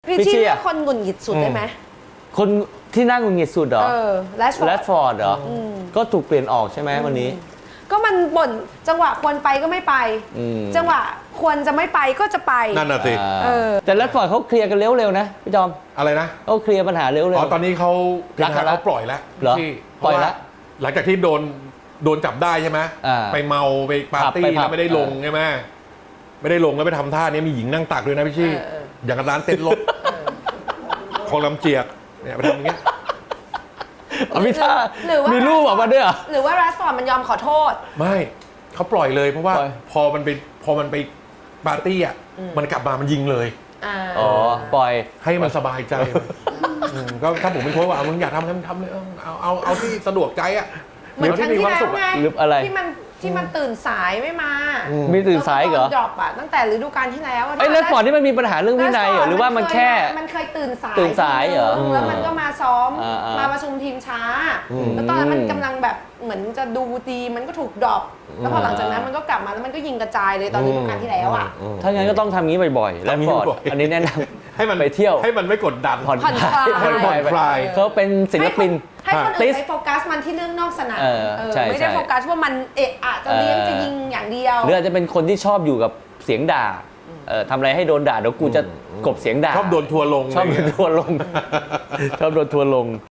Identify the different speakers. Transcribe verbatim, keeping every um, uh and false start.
Speaker 1: พี่ชี่เลือกคนหงุดหงิดสุดได้ไหม
Speaker 2: คนที่น่าหงุดหงิดสุดเหรอ
Speaker 1: เออแรชฟอร์ด
Speaker 2: แรดฟอร์ดเหรอก็ถูกเปลี่ยนออกใช่ไหมวันนี้
Speaker 1: ก็มันบ่นจังหวะควรไปก็ไม่ไป
Speaker 2: อืม
Speaker 1: จังหวะควรจะไม่ไปก็จะไป
Speaker 3: นั่นน่ะสิ
Speaker 2: อ่า
Speaker 1: เออ
Speaker 2: แต่แรดฟอร์ดเขาเคลียร์กันเร็วๆนะพี่จอม
Speaker 3: อะไรนะ
Speaker 2: เขาเคลียร์ปัญหาเร็วๆ
Speaker 3: อ๋อตอนนี้เขา
Speaker 2: รักกันแล้ว
Speaker 3: เขาปล่อยแล้ว
Speaker 2: เหรอ
Speaker 3: ที่
Speaker 2: ปล่อยแล้ว
Speaker 3: เพราะาหลังจากที่โดนโดนจับได้ใช่ไหม
Speaker 2: อ่า
Speaker 3: ไปเมาไปปาร์ตี้
Speaker 2: ผับไปผับ
Speaker 3: แล้วไม่ได้ลง
Speaker 2: เออ
Speaker 3: ใช่ไหมไม่ได้ลงแล้วไปทำท่านี้มีหญิงนั่งตักด้วยนะพี่ชี่
Speaker 1: เออเออ
Speaker 3: อย่างกับร้านเต้นรถของลำเจียกเนี่ยไปทำอย่างเงี้ย
Speaker 2: เอาพี่ท่า
Speaker 1: หรือว่า
Speaker 2: มีรูปออกมาด้วยเหรอ
Speaker 1: หรือว่าแรชฟอร์ดมันยอมขอโทษ
Speaker 3: ไม่เขาปล่อยเลยเพราะว่า
Speaker 2: ปล่อย
Speaker 3: พอมันไปพอมันไปปาร์ตี้อ่ะมันกลับมามันยิงเลย
Speaker 1: อ่า
Speaker 2: อ๋อปล่อย
Speaker 3: ให้มันสบายใจอืมก็ถ้าผมเป็นโค้ชว่าเอามึงอยากทำให้มึงทำเลยเออเอาเอาเอาที่สะดวกใจอ่ะ
Speaker 1: เหมือนครั้งที่แล้วไง
Speaker 2: หรืออะไร
Speaker 1: ที่มันที่มันตื่นสายไม่มา
Speaker 2: มีตื่นสายเหรอ
Speaker 1: ดรอปอะตั้งแต่ฤดูกาลที่แล้วะ
Speaker 2: ไอ้แรดฟอร์ดนี่มันมีปัญหาเรื่องวินัยเหรอหรือว่ามันแค่
Speaker 1: มันเคยตื่นสาย
Speaker 2: ตื่นสายเหรอ
Speaker 1: ทีนึงแล้วมันก็มาซ้อม
Speaker 2: อ่าอ่าม
Speaker 1: มาประชุมทีมช้า แล้วตอนนั้นมันกำลังแบบเหมือนจะดูดีมันก็ถูกดรอปแล้วพอหลังจากนั้นมันก็กลับมาแล้วมันก็ยิงกระจายเลยตอนฤดูกาลที่แล้วอ่ะ
Speaker 2: ถ้างั้นก็ต้องทำงี้บ่อยๆแรด
Speaker 3: ทำงี้
Speaker 2: ฟอร์ด
Speaker 3: บ่อยๆ
Speaker 2: อันนี้แนะน
Speaker 3: ให้มัน
Speaker 2: ำไปเที่ยว
Speaker 3: ให้มันไม่กดดัน
Speaker 2: ผ่อน
Speaker 1: ผ่อน
Speaker 2: ค
Speaker 1: ค
Speaker 2: ลา
Speaker 1: ลาย ย
Speaker 3: ผ่อนคลาย
Speaker 2: เขาเป็นศิลปิน
Speaker 1: ให้คน
Speaker 2: ติ
Speaker 1: อื่น
Speaker 2: ส
Speaker 1: ไปโฟกัสมันที่เรื่องนอกสนาม
Speaker 2: เออ
Speaker 1: เออ
Speaker 2: ใช่
Speaker 1: ไม่ได้
Speaker 2: ใช่
Speaker 1: โฟกัสว่ามันเอะอะจะเลี้ยง
Speaker 2: เออ
Speaker 1: จะยิงอย่างเดียว
Speaker 2: หรืออาจจะเป็นคนที่ชอบอยู่กับเสียงด่าเออทำอะไรให้โดนด่าเดี๋ยวกูจะกลบเสียงด่า
Speaker 3: ชอบโดนทัวร์ลง
Speaker 2: ชอบโดนทัวร์ลง ชอบโดนทัวร์ลง